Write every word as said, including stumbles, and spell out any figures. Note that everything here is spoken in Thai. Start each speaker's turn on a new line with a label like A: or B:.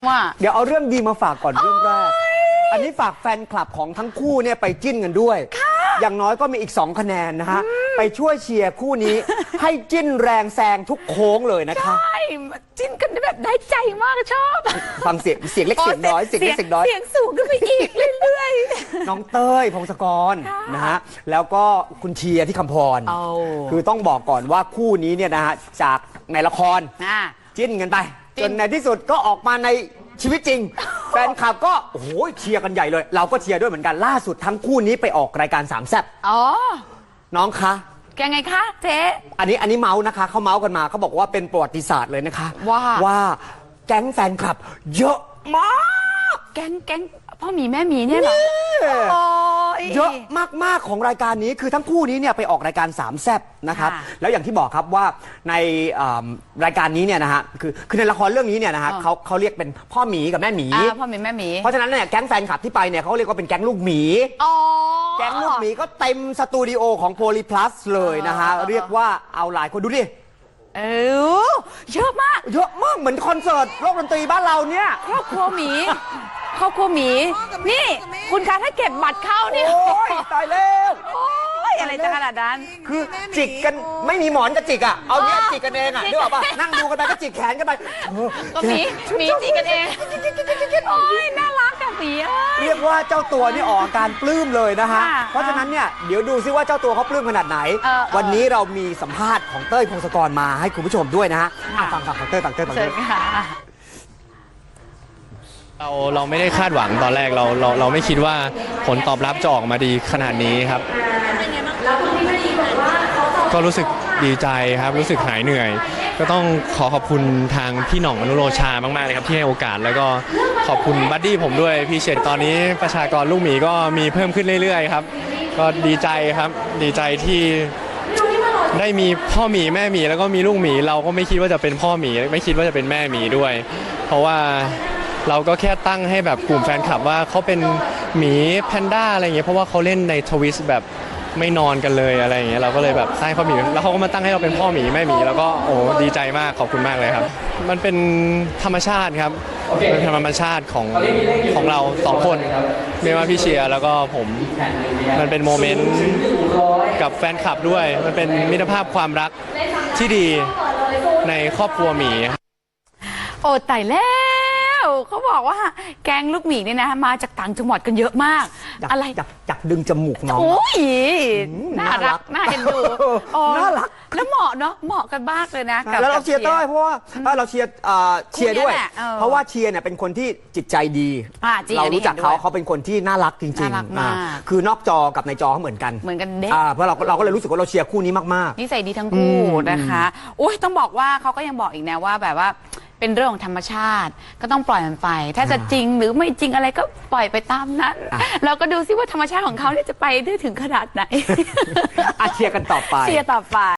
A: ว่า
B: เดี๋ยวเอาเรื่องดีมาฝากก่อนเรื่องแรกอันนี้ฝากแฟนคลับของทั้งคู่เนี่ยไปจิ้นกันด้วยอย่างน้อยก็มีอีกสองคะแนนนะฮะไปช่วยเชียร์คู่นี้ ให้จิ้นแรงแซงทุกโค้งเลยนะคะ
A: ใช่จิ้นกันแบบได้ใจมากชอบ
B: ฟังเสียงเสียงเล็กเสียงน้อยเสียงเล็กเสียงน้อย
A: เสียงสูงขึ้นไปอีกเรื่อย
B: ๆน้องเต้ยพงศกรนะฮะแล้วก็คุณเชียร์ที่คำพรคือต้องบอกก่อนว่าคู่นี้เนี่ยนะฮะจากในละครจิ้นกันไปจนในที่สุดก็ออกมาในชีวิตจริงแฟนคลับก็โอ้โหเชียร์กันใหญ่เลยเราก็เชียร์ด้วยเหมือนกันล่าสุดทั้งคู่นี้ไปออกรายการสามแซ่บอ๋อน้องคะ
A: แกไงคะเจ๊
B: อันนี้อันนี้เมาส์นะคะเขาเมาส์กันมาเขาบอกว่าเป็นประวัติศาสตร์เลยนะคะ
A: ว่า
B: ว่าแก๊งแฟนคลับเยอะมาก
A: แก๊งแก๊งพ่อหมีแม่หมีเนี่ยเหรอ
B: เยอะมากๆของรายการนี้คือทั้งคู่นี้เนี่ยไปออกรายการสามแซ่บนะครับแล้วอย่างที่บอกครับว่าในรายการนี้เนี่ยนะฮะคือคือในละครเรื่องนี้เนี่ยนะฮะเขาเขาเรียกเป็นพ่อหมีกับแม่หมี
A: พ่อหมีแม่หมี
B: เพราะฉะนั้นเนี่ยแก๊งแฟนคลับที่ไปเนี่ยเขาเรียกว่าเป็นแก๊งลูกหมีแก๊งลูกหมีก็เต็มสตูดิโอของโพลีพลัสเลยนะฮะเรียกว่าเอาหลายคนดูดิ
A: เออเยอะมาก
B: เยอะมากเหมือนคอนเสิร์ตโลกดนตรีบ้านเราเนี่ย
A: ครอบครัวหมีครอบครัวหมีนี่คุณคะถ้าเก็บบัตรเข้านี่
B: โอ้ยตายแล้ว
A: โอ้ยอะไรจะขนาดนั้น
B: คือจิกกันไม่มีหมอนจะจิกอ่ะเอาเนี้ยจิกกันเองอ่ะนึกออกป่ะนั่งดูกันไปก็จิกแขนกันไป
A: ก็หมีหมีจิกกันเองโอ้ยน่ารักกับหมี
B: เรียกว่าเจ้าตัวนี่ออกอาการปลื้มเลยนะฮะเพราะฉะนั้นเนี่ยเดี๋ยวดูซิว่าเจ้าตัวเขาปลื้มขนาดไหนวันนี้เรามีสัมภาษณ์ของเต้ยพงศกรมาให้คุณผู้ชมด้วยนะฮะฟังฟังของเต้ยฟังเต้ยฟังเต้ย
C: เราเราไม่ได้คาดหวังตอนแรกเราเราเราไม่คิดว่าผลตอบรับจะออกมาดีขนาดนี้ครับก็รู้สึกดีใจครับรู้สึกหายเหนื่อยก็ต้องขอขอบคุณทางพี่หน่องอนุโรชามากๆเลยครับที่ให้โอกาสแล้วก็ขอบคุณบัดดี้ผมด้วยพี่เฉดตอนนี้ประชากรลูกหมีก็มีเพิ่มขึ้นเรื่อยๆครับก็ดีใจครับดีใจที่ได้มีพ่อหมีแม่หมีแล้วก็มีลูกหมีเราก็ไม่คิดว่าจะเป็นพ่อหมีไม่คิดว่าจะเป็นแม่หมีด้วยเพราะว่าเราก็แค่ตั้งให้แบบกลุ่มแฟนคลับว่าเขาเป็นหมีแพนด้าอะไรอย่างเงี้ยเพราะว่าเขาเล่นในทวิสแบบไม่นอนกันเลยอะไรอย่างเงี้ยเราก็เลยแบบตั้งให้พ่อหมีแล้วเขาก็มาตั้งให้เราเป็นพ่อหมีแม่หมีแล้วก็โอ้ดีใจมากขอบคุณมากเลยครับมันเป็นธรรมชาติครับเป็นธรรมชาติของของเราสองคนไม่ว่าพี่เชียร์แล้วก็ผมมันเป็นโมเมนต์กับแฟนคลับด้วยมันเป็นมิตรภาพความรักที่ดีในครอบครัวหมี
A: โอ้ตายแล้วเขาบอกว่าแก๊งลูกหมีเนี่ยนะมาจากต่างจังหวัดกันเยอะมากอะไร
B: จับจับดึงจมูกน้อง
A: โอ้ยน่ารักน่าเอ็นดู
B: น่ารัก
A: แล้วเหมาะเนาะเหมาะกันมากเลยนะ
B: แล้วเราเชียร์เต้ยเพราะว่าเราเชียร์เชียร์ด้วยเพราะว่าเชียร์เนี่ยเป็นคนที่จิตใจดีเรารู้จักเขาเขาเป็นคนที่น่ารักจริงๆคือนอกจอกับในจอเขาเหมือนกัน
A: เหมือนกันเด็ก
B: เพราะเราเราก็เลยรู้สึกว่าเราเชียร์คู่นี้มาก
A: ๆนิสัยดีทั้งคู่นะคะโอ้ยต้องบอกว่าเขาก็ยังบอกอีกนะว่าแบบว่าเป็นเรื่องของธรรมชาติก็ต้องปล่อยมันไปถ้าจะจริงหรือไม่จริงอะไรก็ปล่อยไปตามนั้นเราก็ดูซิว่าธรรมชาติของเขาเนี่ยจะไปได้ถึงขนาดไหน
B: เชียร์กันต่อไป
A: เชียร์ต่อไป